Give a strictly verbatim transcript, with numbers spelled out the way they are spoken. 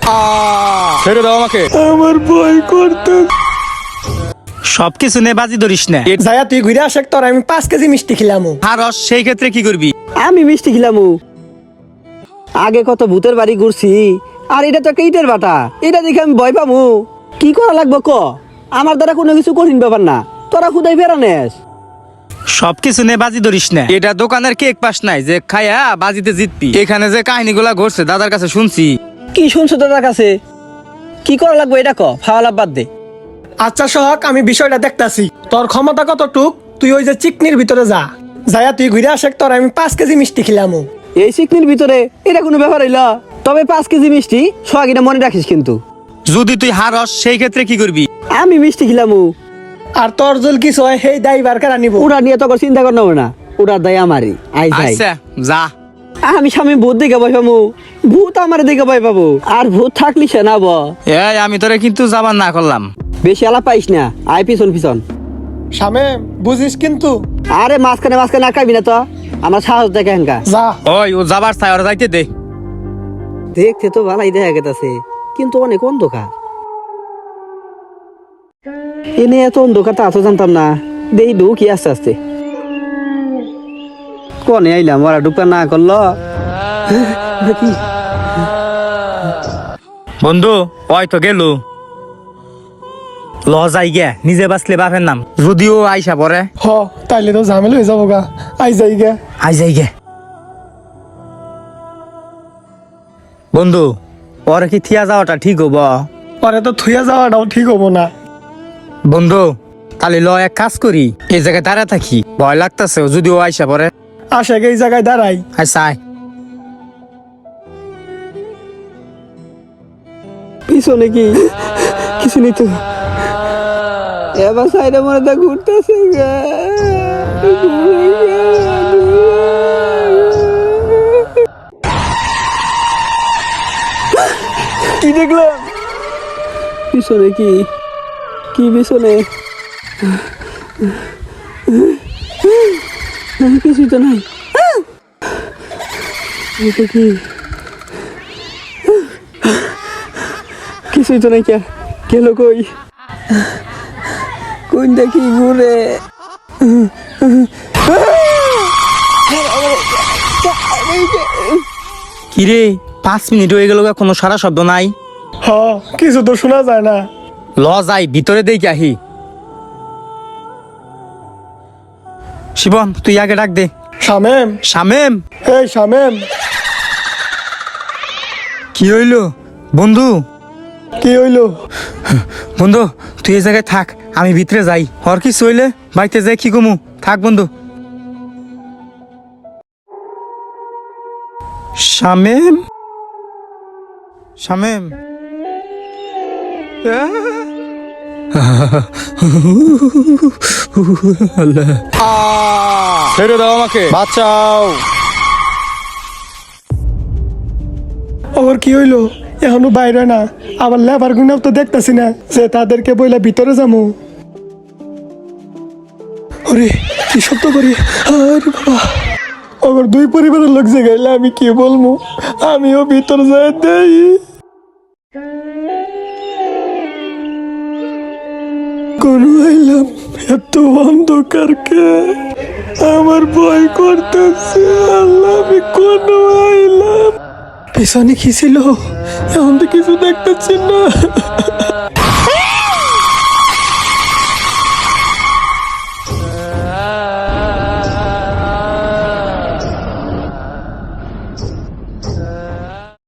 ছেড়ে দাও আমাকে। আমার ভয় করতে। সবকিছু নে বাজি ধরিস না। যায়া তুই ঘুরে আসে তোর আমি পাঁচ কেজি মিষ্টি খিলামু। আর রস সেই ক্ষেত্রে কি করবি? আমি মিষ্টি খিলামু। আগে কত ভূতের বাড়ি ঘুরছি, আর এটা তো একটা ইটের বাটা। এটা দেখে আমি ভয় পামু? কি করা লাগবে ক? আমার দ্বারা কোনো কিছু কঠিন ব্যাপার না, তোরা খুদাই ফেরানেস। সবকিছু নে বাজি ধরিস না। এটা দোকানের কেক পাস নাই যে খায়া বাজিতে জিতবি। এখানে যে কাহিনীগুলা ঘটছে দাদার কাছে শুনছি। কি শুনছো দাদার কাছে? কি করা লাগবে এটা ক, ফাওয়ালা বাদ দে। আচ্ছা সোহাগ, আমি বিষয়টা দেখতাছি। তোর ক্ষমতা কতটুক, তুই ওই যে চিকনির ভিতরে যা। যায়া তুই ঘুরে আসে তোর আমি পাঁচ কেজি মিষ্টি খিলামু। এই চিকনির ভিতরে এটা কোনো ব্যাপার হইল? তবে পাঁচ কেজি মিষ্টি সোহাগিটা মনে রাখিস কিন্তু। যদি তুই হারস সেই ক্ষেত্রে কি করবি? আমি মিষ্টি খিলামু। আর তোর জল কিছু হয় সেই দায় বার কারা নিব। ওরা নিয়ে তোর চিন্তা কর না, ওরা দায় আমারই। আই যাই। আচ্ছা যা। আমি স্বামী ভূত দেখে ভয় পাবো? ভূত আমার দেখে ভয় পাবো? আর ভূত থাকলি সে না ব। এই আমি তোরে কিন্তু যাবার না করলাম। বেশি আলাপ পাইস না, আই পিছন পিছন। শামে বুঝিস কিন্তু। আরে মাঝখানে মাঝখানে আটকাবি না তো, আমার সাহস দেখে হেনকা। যা। ওই ও যাবার চাই, ওরা যাইতে দে। দেখতে তো ভালাই দেখা গেছে, কিন্তু অনেক অন্ধকার। এনে এত অন্ধকার তা তো জানতাম না। দেখি ঢুকি আস্তে আস্তে। কনে আইলাম, ওরা ঢুকা না করলো নাকি? বন্ধু ওই তো গেল। ল যাই গে, নিজে বাঁচলে বাপের নাম। যদিও আইসা পরে হ তাইলে তো ঝামেলা হয়ে যাবো গা। আই যাই গে। আই যাই গে। বন্ধু ওরে কি থিয়া যাওয়াটা ঠিক হব? পরে তো থুয়া যাওয়াটাও ঠিক হবো না। বন্ধু তাহলে ল এক কাজ করি, এই জায়গায় দাঁড়া থাকি। ভয় লাগতেছে যদিও আইসা পরে। আসে এই জায়গায় দাঁড়াই। আচ্ছা আয়। পিছনে কি কিছু নেই তো? এবার সাইডে মনে তো ঘুরতেছে। কি দেখলাম? পিছনে কি কি পিছনে কিছুই তো নাই। এটা কি? কিছুই তো নাই। কে গেল কই? কোন দেখি ঘুরে। কিরে পাঁচ মিনিট হয়ে গেল, কোনো সারা শব্দ নাই। হ কিছু তো শোনা যায় না। ল যাই ভিতরে দেখি আহি। শিবম তুই আগে ডাক দে। শামেম, শামেম। এই শামেম। কি হইল বন্ধু? কি হইলো? বন্ধু তুই এই জায়গায় থাক, আমি ভিতরে যাই। হর কিছু হইলে বাড়িতে যাই কি কমু। থাক বন্ধু। শামেম, শামেম। ছেড়ে দাও আমাকে, বাঁচাও। ওর কি হইলো? এখনো বাইরে না, আবার লেবার গুনাও তো দেখতেছি না যে তাদেরকে বইলা ভিতরে যাবো। ওরে কি শব্দ করি! আরে বাবা, ওর দুই পরিবারের লোক যে গেলে আমি কি বলবো? আমিও ভিতরে যাই দেই। কোন আইলাম এত অন্ধকারকে, আমার ভয় করতেছে। আল্লাহ, আমি কোন আইলাম? পেছনে কি ছিল? এখন তো কিছু দেখতেছি না।